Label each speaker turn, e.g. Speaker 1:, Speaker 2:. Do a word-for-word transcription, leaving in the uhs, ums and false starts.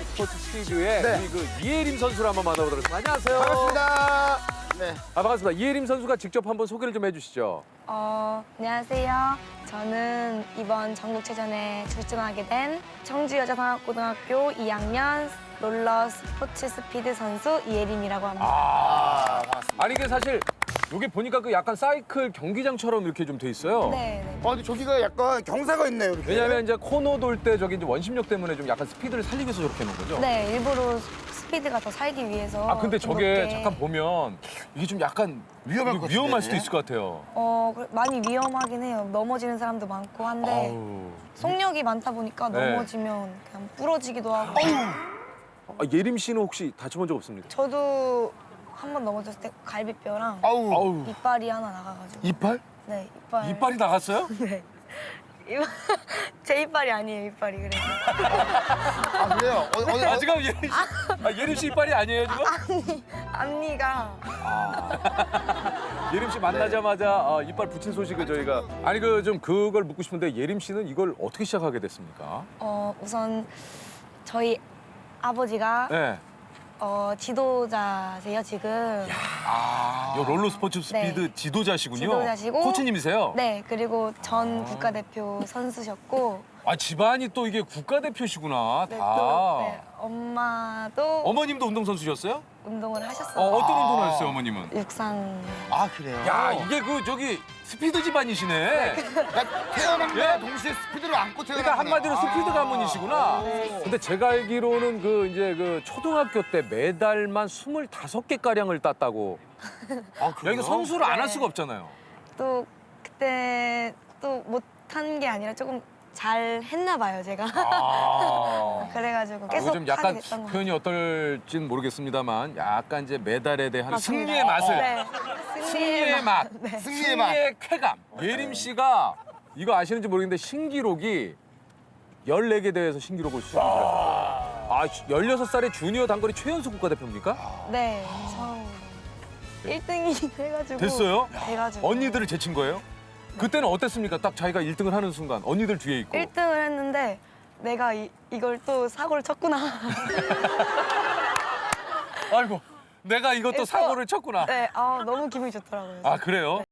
Speaker 1: 스포츠 스피드의
Speaker 2: 네.
Speaker 1: 우리 그 이예림 선수를 한번 만나보도록 하겠습니다. 안녕하세요.
Speaker 2: 반갑습니다. 네.
Speaker 1: 아, 반갑습니다. 이예림 선수가 직접 한번 소개를 좀 해주시죠.
Speaker 3: 어, 안녕하세요. 저는 이번 전국체전에 출전하게 된 청주여자상학고등학교 이 학년 롤러 스포츠 스피드 선수 이예림이라고 합니다.
Speaker 1: 아,
Speaker 2: 반갑습니다.
Speaker 1: 아니 이게 사실 여기 보니까 그 약간 사이클 경기장처럼 이렇게 좀 돼 있어요.
Speaker 3: 네, 네.
Speaker 2: 어, 근데 저기가 약간 경사가 있네요, 이렇게.
Speaker 1: 왜냐하면 이제 코너 돌 때 저기 이제 원심력 때문에 좀 약간 스피드를 살리기 위해서 저렇게 해놓은 거죠.
Speaker 3: 네, 일부러 스피드가 더 살기 위해서.
Speaker 1: 아 근데
Speaker 3: 좀
Speaker 1: 저게
Speaker 3: 높게.
Speaker 1: 잠깐 보면 이게 좀 약간
Speaker 2: 위험할 것
Speaker 1: 위험할
Speaker 2: 같은데?
Speaker 1: 수도 있을 것 같아요.
Speaker 3: 어, 그래- 많이 위험하긴 해요. 넘어지는 사람도 많고 한데
Speaker 1: 아우.
Speaker 3: 속력이 많다 보니까
Speaker 1: 네.
Speaker 3: 넘어지면 그냥 부러지기도 하고.
Speaker 1: 아, 예림 씨는 혹시 다쳐본 적 없습니까?
Speaker 3: 저도 한 번 넘어졌을 때 갈비뼈랑
Speaker 2: 아우.
Speaker 1: 아우.
Speaker 3: 이빨이 하나 나가가지고.
Speaker 2: 이빨?
Speaker 3: 네, 이빨.
Speaker 1: 이빨이 나갔어요?
Speaker 3: 네. 이빨- 제 이빨이 아니에요, 이빨이 그래서.
Speaker 2: 아, 그래요? 어, 어,
Speaker 1: 아
Speaker 2: 어,
Speaker 1: 지금 예림 씨, 아, 예림 씨 이빨이 아니에요 지금?
Speaker 3: 앞니가.
Speaker 1: 예림 씨 만나자마자 어, 이빨 붙인 소식을 저희가 아니 그 좀 그걸 묻고 싶은데 예림 씨는 이걸 어떻게 시작하게 됐습니까?
Speaker 3: 어, 우선 저희 아버지가
Speaker 1: 네.
Speaker 3: 어, 지도자세요, 지금.
Speaker 1: 아, 요 롤러 스포츠 스피드
Speaker 3: 네.
Speaker 1: 지도자시군요.
Speaker 3: 지도자시고.
Speaker 1: 코치님이세요?
Speaker 3: 네, 그리고 전 국가대표 선수셨고.
Speaker 1: 아 집안이 또 이게 국가대표시구나
Speaker 3: 네,
Speaker 1: 다.
Speaker 3: 또, 네, 엄마도
Speaker 1: 어머님도 운동선수셨어요?
Speaker 3: 운동을
Speaker 1: 어,
Speaker 3: 하셨어요.
Speaker 1: 어떤 운동을 하셨어요 어머님은?
Speaker 3: 육상.
Speaker 2: 아, 그래요?
Speaker 1: 야 이게 그 저기 스피드 집안이시네.
Speaker 2: 그러니까 태어남과
Speaker 1: 예?
Speaker 2: 동시에 스피드를 안고 태어났구나.
Speaker 1: 그러니까 한마디로 스피드
Speaker 2: 아.
Speaker 1: 가문이시구나. 근데 제가 알기로는 그 이제 그 초등학교 때 메달만 스물다섯 개 가량을 땄다고.
Speaker 2: 아,
Speaker 1: 야
Speaker 2: 그래요?
Speaker 1: 이거 선수를 안 할
Speaker 3: 네.
Speaker 1: 수가 없잖아요.
Speaker 3: 또 그때 또 못한 게 아니라 조금 잘 했나 봐요, 제가.
Speaker 1: 아.
Speaker 3: 그래가지고
Speaker 1: 아,
Speaker 3: 계속
Speaker 1: 이거 좀 약간
Speaker 3: 하게 됐던 것 같아요.
Speaker 1: 표현이 어떨지는 모르겠습니다만 약간 이제 메달에 대한
Speaker 3: 맞습니다.
Speaker 1: 승리의 맛을
Speaker 3: 네.
Speaker 1: 승리의 맛,
Speaker 3: 네.
Speaker 2: 승리의 맛.
Speaker 1: 승리의 쾌감. 예림 씨가 이거 아시는지 모르겠는데 신기록이 열네 개 대회에서 신기록을 수상했어요. 아, 열여섯 살에 주니어 단거리 최연소 국가대표입니까?
Speaker 3: 네, 처음 일 등이 해가지고.
Speaker 1: 됐어요?
Speaker 3: 돼가지고.
Speaker 1: 언니들을 제친 거예요? 그때는 어땠습니까? 딱 자기가 일 등을 하는 순간 언니들 뒤에 있고.
Speaker 3: 일 등을 했는데 내가 이, 이걸 또 사고를 쳤구나.
Speaker 1: 아이고, 내가 이것도
Speaker 3: 그래서-
Speaker 1: 사고를 쳤구나.
Speaker 3: 네, 아, 너무 기분이 좋더라고요.
Speaker 1: 아, 그래요?